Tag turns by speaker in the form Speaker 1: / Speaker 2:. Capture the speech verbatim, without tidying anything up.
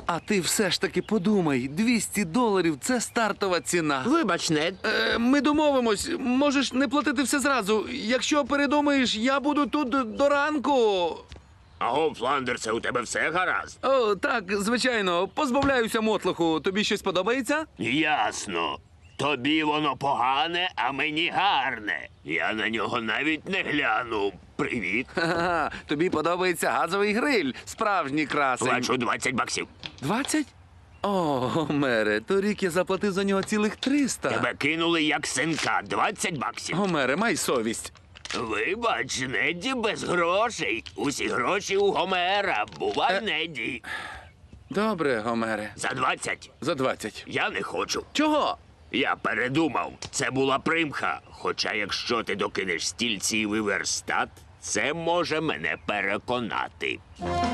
Speaker 1: А ти все ж таки подумай, двісті доларів – це стартова ціна.
Speaker 2: Вибач, Нед.
Speaker 1: Е, ми домовимось, можеш не платити все зразу. Якщо передумаєш, я буду тут до ранку.
Speaker 3: Аго, Фландерсе, у тебе все гаразд?
Speaker 1: О, так, звичайно, позбавляюся мотлоху. Тобі щось подобається?
Speaker 3: Ясно. Тобі воно погане, а мені гарне. Я на нього навіть не гляну. Привіт.
Speaker 1: Ха-ха, тобі подобається газовий гриль, справжній красень.
Speaker 3: Плачу двадцять баксів.
Speaker 1: Двадцять? О, Мере, торік я заплатив за нього цілих триста.
Speaker 3: Тебе кинули як синка. двадцять баксів.
Speaker 1: Гомере, май совість.
Speaker 3: Вибач, Недді без грошей. Усі гроші у Гомера. Бувай,
Speaker 1: Е.
Speaker 3: Недді.
Speaker 1: Добре, Гомере.
Speaker 3: За двадцять.
Speaker 1: За двадцять.
Speaker 3: Я не хочу.
Speaker 1: Чого?
Speaker 3: Я передумав. Це була примха. Хоча якщо ти докинеш стільці і верстат, це може мене переконати.